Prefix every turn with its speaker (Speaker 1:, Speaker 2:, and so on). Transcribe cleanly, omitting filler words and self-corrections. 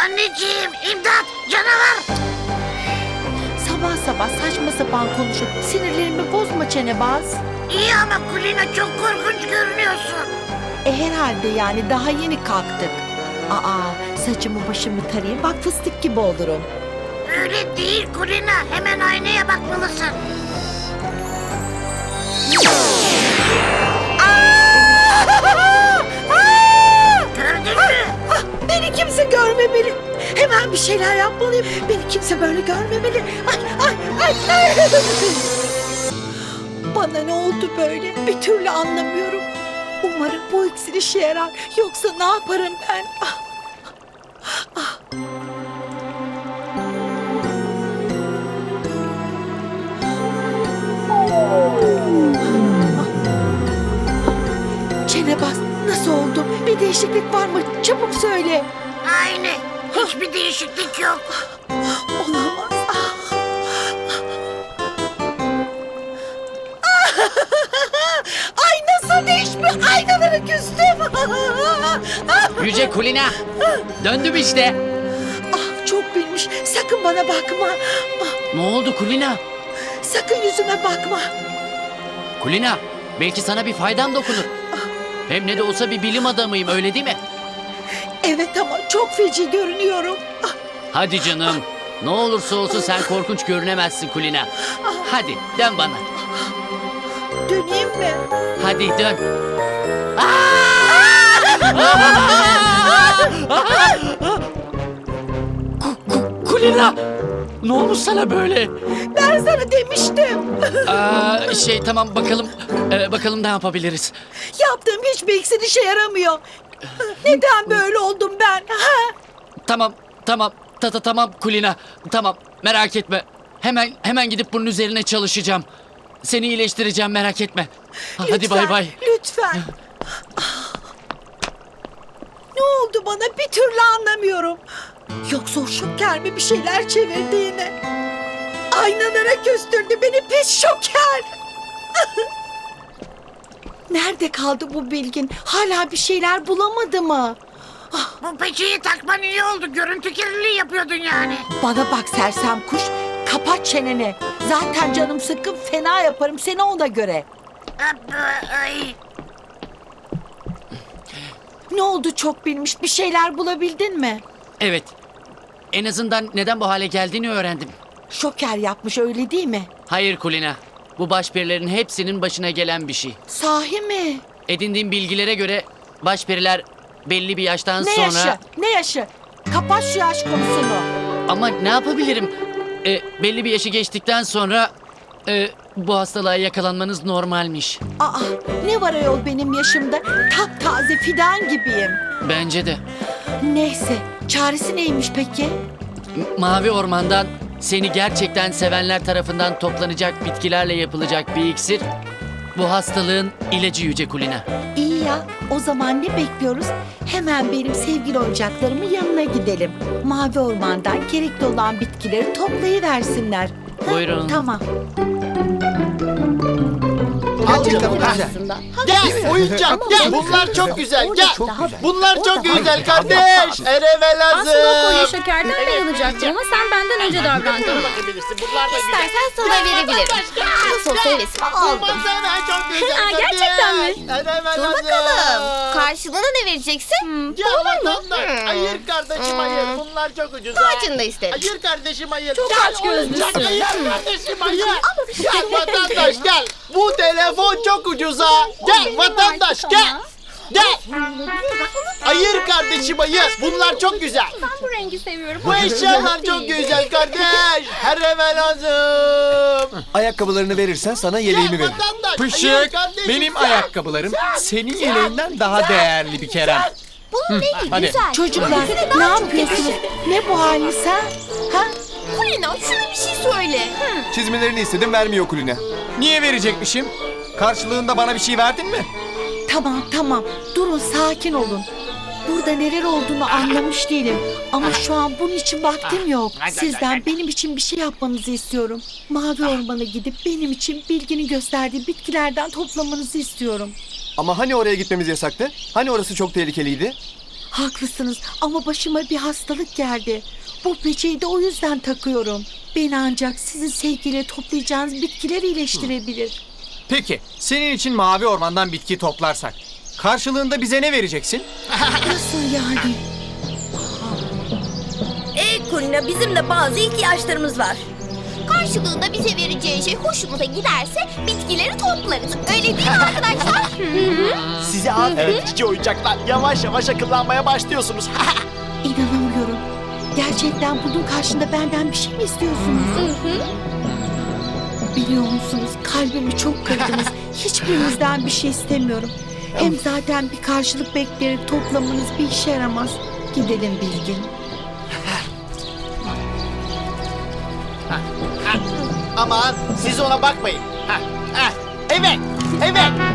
Speaker 1: Anneciğim, imdat, canavar.
Speaker 2: Sabah sabah saçma sapan konuşup sinirlerimi bozma Çenebaz.
Speaker 1: İyi ama Kulina çok korkunç görünüyorsun.
Speaker 2: Herhalde yani daha yeni kalktık. Saçımı başımı tarayayım bak fıstık gibi olurum.
Speaker 1: Öyle değil Kulina, hemen aynaya bakmalısın. Gördün mü?
Speaker 2: Beni kimse görmemeli. Hemen bir şeyler yapmalıyım. Beni kimse böyle görmemeli. Ay. Bana ne oldu böyle? Bir türlü anlamıyorum. Umarım bu iksir işe yarar. Yoksa ne yaparım ben? Çenebaz, nasıl oldu? Bir değişiklik var mı? Çabuk söyle.
Speaker 1: Aynı, hiçbir değişiklik yok.
Speaker 2: Olamaz. Ay nasıl değişmiş? Aynaları küstüm.
Speaker 3: Yüce Kulina. Döndüm işte.
Speaker 2: Çok bilmiş. Sakın bana bakma.
Speaker 3: Ne oldu Kulina?
Speaker 2: Sakın yüzüme bakma.
Speaker 3: Kulina, belki sana bir faydam dokunur. Hem ne de olsa bir bilim adamıyım, öyle değil mi?
Speaker 2: Evet ama çok feci görünüyorum.
Speaker 3: Hadi canım. Ne olursa olsun sen korkunç görünemezsin Kulina. Hadi dön bana.
Speaker 2: Döneyim mi?
Speaker 3: Hadi dön. Kulina! Ne olmuş sana böyle?
Speaker 2: Ben sana demiştim.
Speaker 3: Tamam bakalım. Bakalım ne yapabiliriz.
Speaker 2: Yaptığım hiçbir iksir işe yaramıyor. Neden böyle oldum ben?
Speaker 3: Tamam. Tamam Kulina. Tamam, merak etme. Hemen gidip bunun üzerine çalışacağım. Seni iyileştireceğim, merak etme. Hadi
Speaker 2: Lütfen,
Speaker 3: bay bay.
Speaker 2: Lütfen. Ne oldu bana bir türlü anlamıyorum. Yoksa o şoker mi bir şeyler çevirdi yine? Aynalara küstürdü beni pis şoker. Nerede kaldı bu bilgin? Hala bir şeyler bulamadı mı?
Speaker 1: Bu peçeyi takman iyi oldu, görüntü kirliliği yapıyordun yani.
Speaker 2: Bana bak sersem kuş, kapat çeneni. Zaten canım sıkkın, fena yaparım seni ona göre.
Speaker 1: Ay.
Speaker 2: Ne oldu çok bilmiş, bir şeyler bulabildin mi?
Speaker 3: Evet. En azından neden bu hale geldiğini öğrendim.
Speaker 2: Şoker yapmış öyle değil mi?
Speaker 3: Hayır Kulina. Bu başperilerin hepsinin başına gelen bir şey.
Speaker 2: Sahi mi?
Speaker 3: Edindiğim bilgilere göre başperiler belli bir yaştan
Speaker 2: Ne
Speaker 3: sonra...
Speaker 2: yaşı? Ne yaşı? Kapat şu yaş konusunu.
Speaker 3: Ama ne yapabilirim? Belli bir yaşı geçtikten sonra bu hastalığa yakalanmanız normalmiş.
Speaker 2: Ne var ayol benim yaşımda? Taptaze fidan gibiyim.
Speaker 3: Bence de.
Speaker 2: Neyse, çaresi neymiş peki?
Speaker 3: Mavi Orman'dan seni gerçekten sevenler tarafından toplanacak bitkilerle yapılacak bir iksir. Bu hastalığın ilacı Yüce Kulina.
Speaker 2: İyi ya, o zaman ne bekliyoruz? Hemen benim sevgili oyuncaklarımın yanına gidelim. Mavi Orman'dan gerekli olan bitkileri toplayıversinler.
Speaker 3: Buyurun.
Speaker 2: Tamam.
Speaker 4: Al bakalım aslında. Gel oyuncak gel. Bunlar çok güzel gel. Bunlar çok güzel kardeş. Erevel
Speaker 5: Aslında o kolye
Speaker 4: lazım.
Speaker 5: şekerden bayılacaktım ama sen benden önce davrandın.
Speaker 4: Bunlar da güzel.
Speaker 5: İstersen sana verebilirim. Nasıl olsa hevesimi aldım.
Speaker 4: Baksana çok güzel kardeş.
Speaker 5: Gerçekten mi?
Speaker 4: Erevel
Speaker 5: Dur
Speaker 4: lazım.
Speaker 5: bakalım. Karşılığında ne vereceksin?
Speaker 4: Ya vatandaş. Hayır kardeşim hayır. Bunlar çok ucuz.
Speaker 5: Kaçını da isterim.
Speaker 4: Hayır kardeşim hayır.
Speaker 5: Çok
Speaker 4: Gel
Speaker 5: açgözlüsün.
Speaker 4: oyuncak, hayır kardeşim hayır. Gel vatandaş gel. Bu telefon çok ucuza. Gel vatandaş gel. Gel. Hayır kardeşim hayır. Bunlar çok güzel.
Speaker 5: Ben bu rengi seviyorum.
Speaker 4: Bu eşyalar çok güzel kardeş. Her eve lazım.
Speaker 6: Ayakkabılarını verirsen sana yeleğimi
Speaker 4: Gel
Speaker 6: veririm.
Speaker 4: vatandaş. hayır
Speaker 7: Pışık,
Speaker 4: kardeşim,
Speaker 7: benim
Speaker 4: sen.
Speaker 7: ayakkabılarım senin yeleğinden daha değerli bir Kerem.
Speaker 5: Bunun rengi
Speaker 7: hadi.
Speaker 5: güzel.
Speaker 2: Çocuklar, ne yapıyorsunuz? Ne bu haliniz ha? Ha?
Speaker 5: Kulina şuna bir şey söyle.
Speaker 6: Çizmelerini istedim vermiyor Kulina.
Speaker 7: Niye verecekmişim? Karşılığında bana bir şey verdin mi?
Speaker 2: Tamam. Durun, sakin olun. Burada neler olduğunu anlamış değilim. Ama şu an bunun için vaktim yok. Sizden benim için bir şey yapmanızı istiyorum. Mavi Orman'a gidip benim için bilginin gösterdiği bitkilerden toplamanızı istiyorum.
Speaker 6: Ama hani oraya gitmemiz yasaktı? Hani orası çok tehlikeliydi?
Speaker 2: Haklısınız ama başıma bir hastalık geldi. Bu peçeyi de o yüzden takıyorum. Beni ancak sizin sevgiyle toplayacağınız bitkiler iyileştirebilir.
Speaker 7: Peki, senin için mavi ormandan bitki toplarsak karşılığında bize ne vereceksin?
Speaker 2: Nasıl yani?
Speaker 8: Kulina, bizim de bazı ihtiyaçlarımız var.
Speaker 5: Karşılığında bize vereceği şey hoşumuza giderse bitkileri toplarız. Öyle değil mi arkadaşlar?
Speaker 4: Size aferin cici oyuncaklar. Yavaş yavaş akıllanmaya başlıyorsunuz.
Speaker 2: İnanamıyorum. Gerçekten bunun karşında benden bir şey mi istiyorsunuz? Biliyor musunuz, kalbimi çok kırdınız. Hiçbirinizden bir şey istemiyorum. Hem zaten bir karşılık bekleyerek toplamanız bir işe yaramaz. Gidelim Bilgin.
Speaker 4: Aman siz ona bakmayın. Evet, evet.